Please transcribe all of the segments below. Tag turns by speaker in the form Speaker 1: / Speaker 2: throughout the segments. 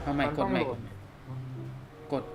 Speaker 1: าใหม่
Speaker 2: มัน
Speaker 1: ก
Speaker 2: ต้
Speaker 1: ด
Speaker 2: อง
Speaker 1: ใหม่
Speaker 2: โหลด
Speaker 1: กด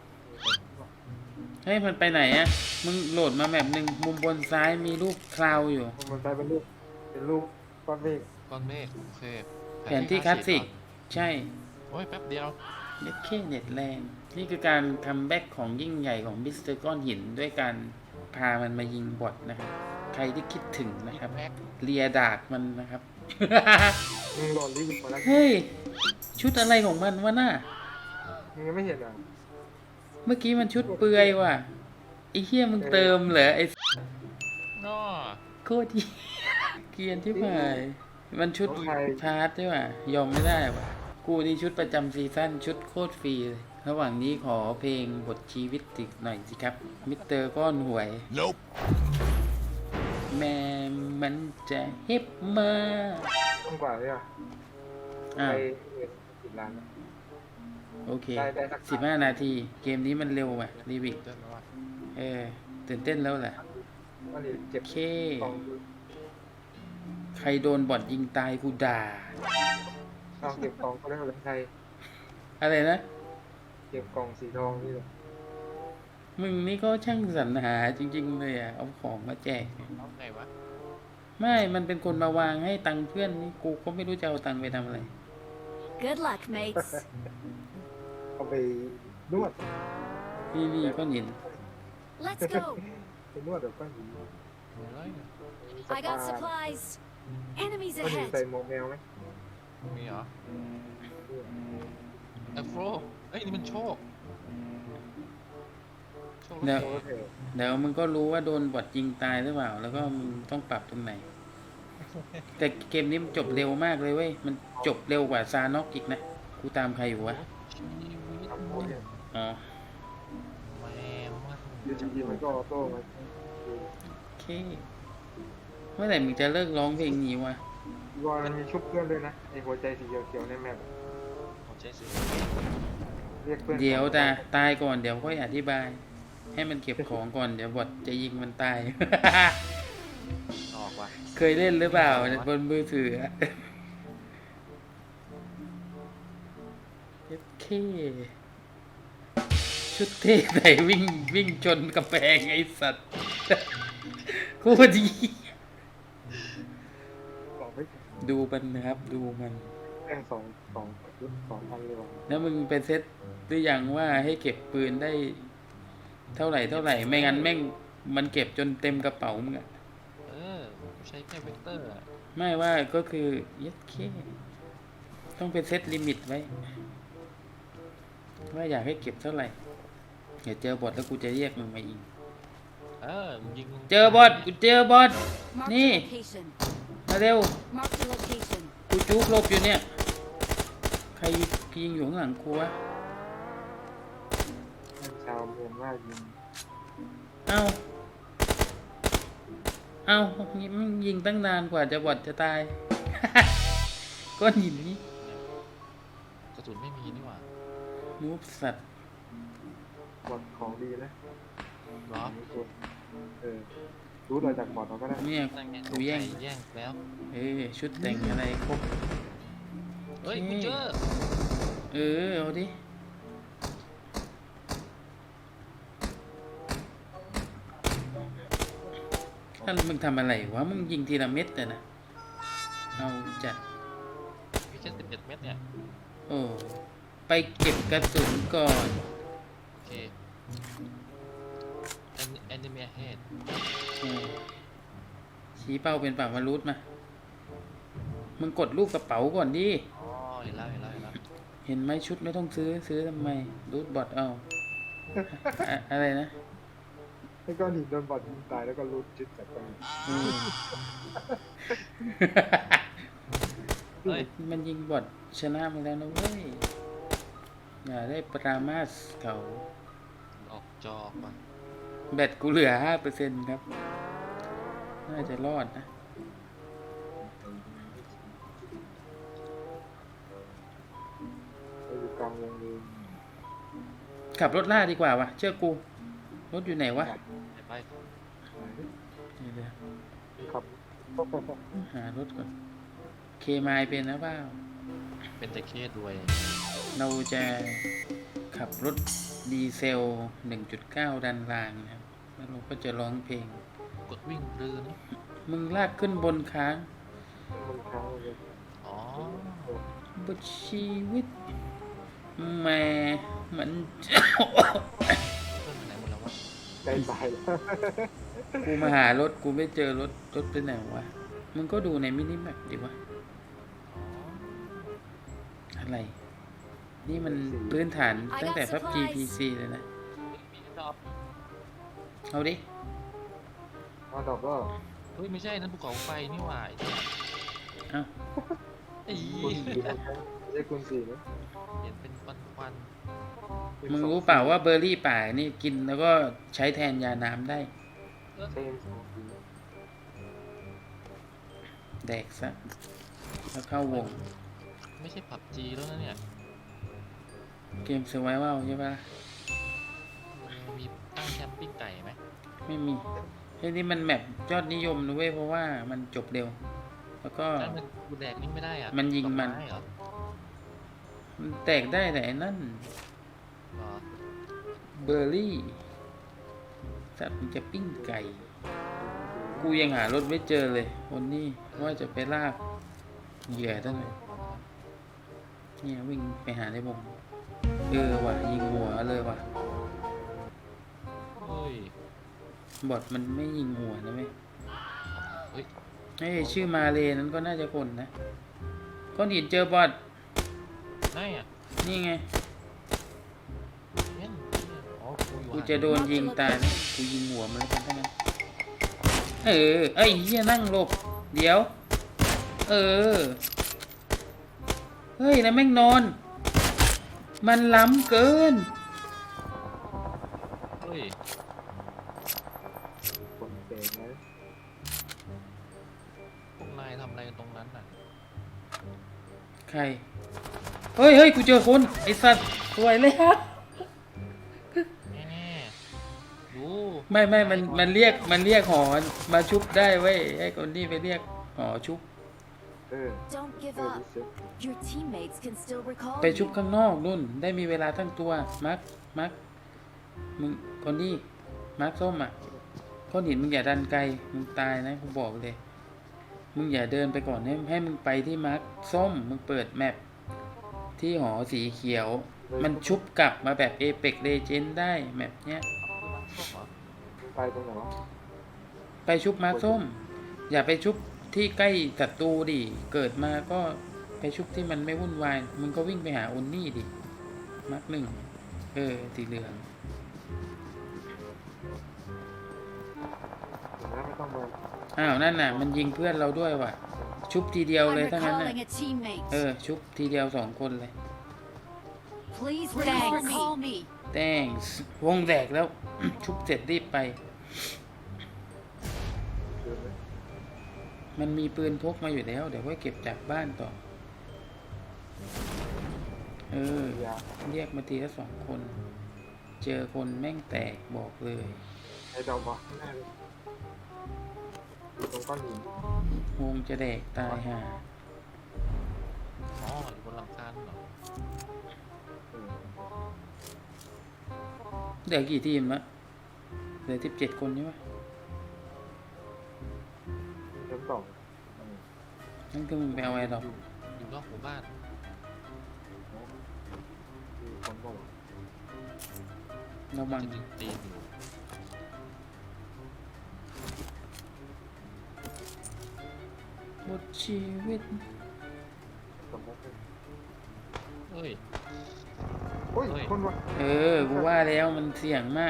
Speaker 1: เฮ้ยมันไปไหนอะมึงโหลดมาแบบหนึ่งมุมบนซ้ายมีรูปคลาวอยู่
Speaker 2: มันกลายเป็นรูปก้อนเมฆ
Speaker 3: ก้อนเมฆโอเค
Speaker 1: แผนที่คลาสสิกใช่
Speaker 3: โอ้ยแป๊บเดียว
Speaker 1: เน็ตเคเน็ตแรงนี่คือการคัมแบ็กของยิ่งใหญ่ของมิสเตอร์ก้อนหินด้วยการพามันมายิงบอทนะครับใครที่คิดถึงนะครับ
Speaker 3: แม็ก
Speaker 1: เลียดากมันนะครับ
Speaker 2: มึงโหลดรีวิวมาแล้ว
Speaker 1: เฮ้ย ชุดอะไรของมันวะน่ะ
Speaker 2: มึงยังไม่เห็นอ่ะ
Speaker 1: เมื่อกี้มันชุดเปลือยว่ะไอ้เหี้ยมึงเติมเหรอไอ้
Speaker 3: น้อ
Speaker 1: โคตรเหี้ยเกรียนที่หายมันชุด
Speaker 2: ของใคร
Speaker 1: พาร์ทใช่ป่ะยอมไม่ได้ว่ะกูนี่ชุดประจำซีซั่นชุดโคตรฟรีเลยระหว่างนี้ขอเพลงบทชีวิตติดหน่อยสิครับมิสเตอร์ก้อนหวย
Speaker 3: Nope
Speaker 1: แม่มันจะเฮ็บมา
Speaker 2: ต้องกว่าเลยอ่ะ
Speaker 1: อ้า
Speaker 2: ไป
Speaker 1: ว
Speaker 2: 10 ล้านนะ
Speaker 1: โอเค
Speaker 2: ได้สัก
Speaker 1: 15 นาทีเกมนี้มันเร็วว่ะรีวิ
Speaker 3: เดินแล้วว่ะ
Speaker 1: ตื่นเต้นแล้วแหละ
Speaker 2: วันนี้เก็บ
Speaker 1: โอเค
Speaker 2: กล่อง
Speaker 1: ใครโดนบอทยิงตายกูด่า
Speaker 2: เอาเก็บกล่องก็ได้เลยใคร
Speaker 1: อะไรนะ
Speaker 2: เก็บกล่องสีทองนี่แหละ
Speaker 1: มึงนี่ก็ช่างสรรหาจริงๆเลยอ่ะ เอาของมาแจก
Speaker 3: เอาไงวะ
Speaker 1: ไม่ มันเป็นคนมาวางให้ตังค์เพื่อนนี่กูก็ไม่รู้จะเอาตังค์ไปทำอะไร
Speaker 4: Good luck, mates.
Speaker 2: เอาไปนวด
Speaker 1: นี่ก้อนหิน
Speaker 4: Let's go.
Speaker 2: ไปนวดแบบก้อนหิน
Speaker 3: อะไรเนี่ย
Speaker 4: I got supplies. Enemies
Speaker 2: ก้อนหิน
Speaker 4: ahead.
Speaker 2: ใส่หมวกแมวไหม
Speaker 3: มีเหรอเอฟโรเอ้ยนี่มันโชคโชค
Speaker 1: เดี๋ยว
Speaker 2: โอเค
Speaker 1: เดี๋ยวมึงก็รู้ว่าโดนบอทยิงตายหรือเปล่า แล้วก็มึงต้องปรับตรงไหน แต่เกมนี้มันจบเร็วมากเลยเว้ย มันจบเร็วกว่าซานอกอีกนะ กูตามใครอยู่วะ
Speaker 3: ชีวิต
Speaker 2: ทำโพสเนี่ย
Speaker 1: อ๋อ
Speaker 3: แม่มัน
Speaker 2: เดี๋ยวจริงๆมันก็ออโต้มา
Speaker 1: โอเค เมื่อไหร่มึงจะเลิกร้องเพลงนี้วะ
Speaker 2: วอนมันมีชุบเพื่อนด้วยนะไอหัวใจสีเขียวๆในแมป
Speaker 3: หัวใจสิ
Speaker 2: เรียกเพื่อน
Speaker 1: เดี๋ยวตายก่อนเดี๋ยวค่อยอธิบาย ให้มันเก็บของก่อนเดี๋ยวบอทจะยิงมันตาย
Speaker 3: ออกว่ะ
Speaker 1: เคยเล่นหรือเปล่าบนมือถืออะโอเค ชุดเท่ไหนวิ่งชนกำแพงไอ้สัตว์ โคตรดี
Speaker 2: บอกไม่
Speaker 1: ดูมันนะครับ ดูมัน
Speaker 2: แม่ง2,000เลยว่ะ
Speaker 1: แล้วมึงไปเซ็ตหรือยังว่าให้เก็บปืนได้ เท่าไหร่ไม่งั้นแม่งมันเก็บจนเต็มกระเป๋ามึงอะ
Speaker 3: เออใช้แค่เวกเตอร์อะ
Speaker 1: ไม่ว่าก็คือยัดเคต้องไปเซตลิมิตไว้ ว่าอยากให้เก็บเท่าไหร่เดี๋ยวเจอบอทแล้วกูจะเรียกมึงมายิง
Speaker 3: เออยิง
Speaker 1: เจอบอทกูเจอบอท
Speaker 4: Mark
Speaker 1: Nee.
Speaker 4: the location.
Speaker 1: มาเร็ว
Speaker 4: Mark the location.
Speaker 1: กูจุกหลบอยู่เนี่ย ใครยิงอยู่ข้างหลังกูวะ
Speaker 2: แม่งชาวเมียนมายิง
Speaker 1: เอ้ามันยิงตั้งนานกว่าจะบอทจะตาย ก้อนหินนี่
Speaker 3: กระสุนไม่มีนี่หว่า
Speaker 1: นูบสัตว์
Speaker 2: บอดของดีนะ
Speaker 3: เหรอ
Speaker 2: รู้เราจากบอดเราก็ได้
Speaker 1: เนี่ย
Speaker 3: นั่นไง
Speaker 1: กูแย่ง
Speaker 3: แย่งแล้ว
Speaker 1: ชุดแต่งอะไรครบ
Speaker 3: เฮ้ยกูเจอ
Speaker 1: เอาดิ ท่านมึงทำอะไรวะ มึงยิงทีละเม็ดเลยนะ เอาจัด
Speaker 3: มีแค่11 เม็ดเนี่ย
Speaker 1: โอ้ ไปเก็บกระสุนก่อน
Speaker 3: โอเคแอนนิเมะเฮด
Speaker 1: ชี้เป้าเป็นปากมารูดมา มึงกดรูปกระเป๋าก่อนดิ
Speaker 3: อ๋อเห็นแล้ว
Speaker 1: เห็นไหมชุดไม่ต้องซื้อทำไม รูดบอทเอา อะไรนะ
Speaker 2: แล้วก็หนีโดนบอดยิงตายแล้วก็รูดจุดจากตรงนี้
Speaker 1: อืม
Speaker 3: เฮ้ย
Speaker 1: มันยิงบอทชนะมาแล้วนะเว้ย อย่าได้ปรามาสเขา
Speaker 3: ออกจอว่ะ
Speaker 1: แบตกูเหลือ 5% ครับ น่าจะรอดนะ
Speaker 2: ไปอยู่กลางวงเลย
Speaker 1: ขับรถล่าดีกว่าวะเชื่อกู รถอยู่ไหนวะ
Speaker 3: ไป
Speaker 1: เดี๋ยว
Speaker 2: ครับ
Speaker 1: หารถก่อน เคมายเป็นนะเปล่า
Speaker 3: เป็นตะเคสรวย
Speaker 1: เราจะขับรถดีเซล 1.9 ดันรางนะครับแล้วเราก็จะร้องเพลง
Speaker 3: กดวิ่งเรือนี่
Speaker 1: มึงลากขึ้นบนค้าง
Speaker 2: มันค้างเลย
Speaker 3: อ๋อบ
Speaker 1: ทชีวิตแหม่มัน
Speaker 3: เพื่อนไปไหนหมดแล้ววะ
Speaker 2: ใกล้ตายแล้ว
Speaker 1: กูมาหารถกูไม่เจอรถไปไหนวะ มึงก็ดูในมินิแมปดิวะ
Speaker 3: อ๋อ
Speaker 1: อะไร นี่มันพื้นฐานตั้งแต่ PUBG PC เลยนะ
Speaker 3: มีดอก
Speaker 1: เอาดิ
Speaker 2: เอาดอกก็
Speaker 3: เฮ้ยไม่ใช่นั่นภูเขาไฟนี่หว่า
Speaker 1: เอา
Speaker 3: ไอ้ไอ้
Speaker 2: คุณสี่นะครับไม่ใช่คุณสี่นะ
Speaker 3: เห็นเป็นควัน
Speaker 1: มึงรู้เปล่าว่าเบอร์รี่ป่านี่กินแล้วก็ใช้แทนยาน้ำได้
Speaker 2: ใช่สองสี
Speaker 1: แดกซะ แล้วเข้าวง
Speaker 3: ๆไม่ใช่ผับจีแล้วนะเนี่ย
Speaker 1: เกม s u r v i v a l ใช่ปะ
Speaker 3: มีตั้งแคมปิ้งไก่ไหม
Speaker 1: ไม่มีเฮ้ยนี่มันแมปยอดนิยมนะเว้ย เพราะว่ามันจบเร็ว แล้วก็
Speaker 3: นั่นมันกูแดกนี่ไม่ได้อ่ะ
Speaker 1: มันยิงมัน
Speaker 3: ดอกไเหรอ
Speaker 1: มันแตกได้แต่ไอ้นั่น
Speaker 3: เหรอ
Speaker 1: เบอร์รี่สัตว์มันจะปิ้งไก่ กูยังหารถไม่เจอเลยวันนี้ว่าจะไปลากเหยื่อตั้งเลยเนี่ยวิ่งไปหาในวงว่ะยิงหัวเลยว่ะ
Speaker 3: เฮ้ย
Speaker 1: บอทมันไม่ยิงหัวนะเว้ย
Speaker 3: เฮ้ย
Speaker 1: ไอ้ชื่อมาเลนั้นก็น่าจะคนนะก้อนหินเจอบอท
Speaker 3: ไหนอ่ะ
Speaker 1: นี่ไง
Speaker 3: เห็นอ๋อกูอยู่
Speaker 1: กูจะโดนยิงตายนะกูยิงหัวมันแล้วกันทั้งนั้นเอ้ยเฮียนั่งหลบ เดี๋ยว เฮ้ยแล้วแม่งนอน มันล้ำเกิน
Speaker 3: เฮ้ย
Speaker 2: คนเตะนะ
Speaker 3: พวกนายทำอะไรกันตรงนั้นน่ะ
Speaker 1: ใคร เฮ้ย กูเจอคน ไอสัตว์สวยเลยฮะ
Speaker 3: แน่ๆดู
Speaker 1: ไม่มันเรียกหอมาชุบได้เว้ยไอ้คนนี้ไปเรียกหอชุบ
Speaker 4: Don't give
Speaker 2: ดิ
Speaker 4: up.
Speaker 2: เซ็ต
Speaker 4: Your teammates can still recall
Speaker 1: ไปชุบ
Speaker 4: you.
Speaker 1: ข้างนอกนู่น ได้มีเวลาทั้งตัว มักมึงคนนี้มักส้มอ่ะก้อนหินมึงอย่าดันไกล มึงตายนะกูบอกเลย มึงอย่าเดินไปก่อนให้มึงไปที่มักส้ม มึงเปิดแมปที่หอสีเขียว มันชุบกลับมาแบบ Apex Legends ได้แมปเนี้ย
Speaker 3: ส้มเหรอ
Speaker 2: ไปตรงไหนวะ
Speaker 1: ไปชุบมาร์คส้ม อย่าไปชุบที่ใกล้ศัตรูดิ เกิดมาก็ไปชุบที่มันไม่วุ่นวาย มึงก็วิ่งไปหาอุนนี่ดิ มาร์คหนึ่งสีเหลือง
Speaker 2: ถึงนั้นไม่ต้องมา
Speaker 1: อ้าว นั่นน่ะ มันยิงเพื่อนเราด้วยว่ะ ชุบทีเดียว
Speaker 4: I'm
Speaker 1: เลยทั้งนั้นน่ะ
Speaker 4: recalling a teammate.
Speaker 1: ชุบทีเดียว2 คนเลย
Speaker 4: Please recall me.
Speaker 1: thanks วงแตกแล้ว ชุบเสร็จรีบไป
Speaker 2: คืนไหม
Speaker 1: มันมีปืนพกมาอยู่แล้ว เดี๋ยวไว้เก็บจากบ้านต่อ
Speaker 2: ยา
Speaker 1: เรียกมาทีละ2 คน เจอคนแม่งแตกบอกเลย
Speaker 2: ไอ้ดอกบอกข้างหน้าเลยอยู่ตรงก้อนหิน
Speaker 1: วงจะแดกตายห่า
Speaker 3: อ๋ออยู่บนหลังคาเหรอ
Speaker 2: เออ
Speaker 1: เหลือกี่ทีมละเหลือ17 คนใช่ไหม
Speaker 2: ชั้นสอง
Speaker 1: นั่นคือมึงไปเอาไอ้ดอก
Speaker 3: อยู่นอกหมู่บ้าน
Speaker 2: มีคนบอก
Speaker 1: ระวัง
Speaker 3: จะดึงตีนอยู่
Speaker 1: บทชีวิต
Speaker 2: สมมติ
Speaker 3: เฮ้ย
Speaker 2: โอ้ย
Speaker 3: เฮ้ย
Speaker 2: คนวะ
Speaker 1: กูว่าแล้วมันเสี่ยงมาก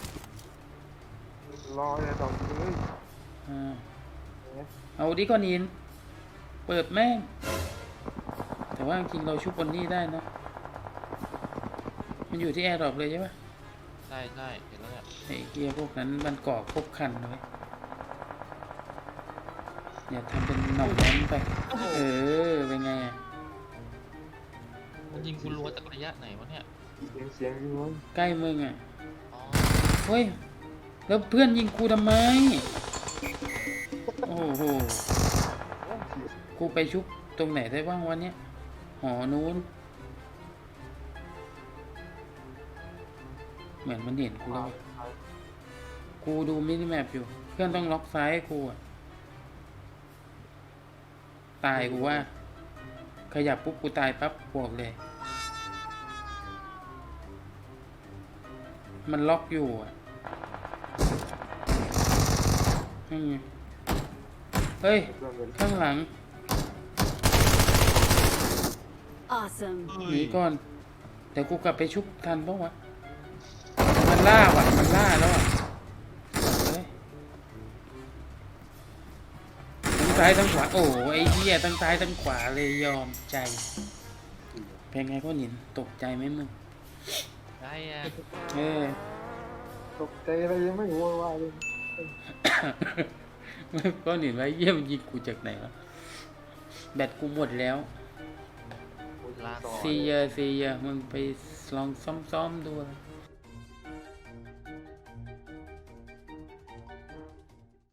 Speaker 2: รอไอ้ดอกเลย
Speaker 1: อ่าเอาดิก้อนหิน เปิดแม่ง แต่ว่าจริงๆเราชุบบนนี่ได้นะ มันอยู่ที่แอร์ดรอปเลยใช่ปะ
Speaker 3: ใช่ใช่เห็นแล้วเนี่ย
Speaker 1: ไอ้เกียร์พวกนั้นมันก่อครบคันเลยอย่าทำเป็นหน่องแน้นไป เป็นไงอ่ะ
Speaker 3: มันยิงกูรัวจากระยะไหนวะเนี่ย
Speaker 2: เสียงยิงเลย
Speaker 1: ใกล้มึงอ่ะ
Speaker 3: อ๋อ
Speaker 1: เฮ้ย แล้วเพื่อนยิงกูทำไม โอ้โห กูไปชุบตรงไหนได้บ้างวันเนี้ยหหอนู้น เหมือนมันเห็นกูแล้วอะกูดูมินิแมปอยู่ เพื่อนต้องล็อกซ้ายให้กูอะตายกูว่า ขยับปุ๊บกูตายปั๊บบวกเลย มันล็อกอยู่อ่ะนี่ไงเฮ้ย
Speaker 2: เพื่อนเป็น
Speaker 1: ข้างหลัง
Speaker 4: Awesome.
Speaker 1: หนีก่อน เดี๋ยวกูกลับไปชุบทันปะวะ มันล่าว่ะ มันล่าแล้วอ่ะเฮ้ยทั้งซ้ายทั้งขวา โอ้ไอ้เหี้ยทั้งซ้ายทั้งขวาเลยยอมใจเป็นไงก็หนินตกใจไหมมึง
Speaker 3: ได้อะ
Speaker 1: เออ
Speaker 2: ตกใจอะไรยังไม่โวยวายเลย
Speaker 1: ก็หนินไว้เยี่ยมนยิงกูจากไหนวะแบตกูหมดแล้ว
Speaker 3: ลา
Speaker 2: ต่อ
Speaker 1: ซีเยมึงไปลองซ่อมๆดูอะไร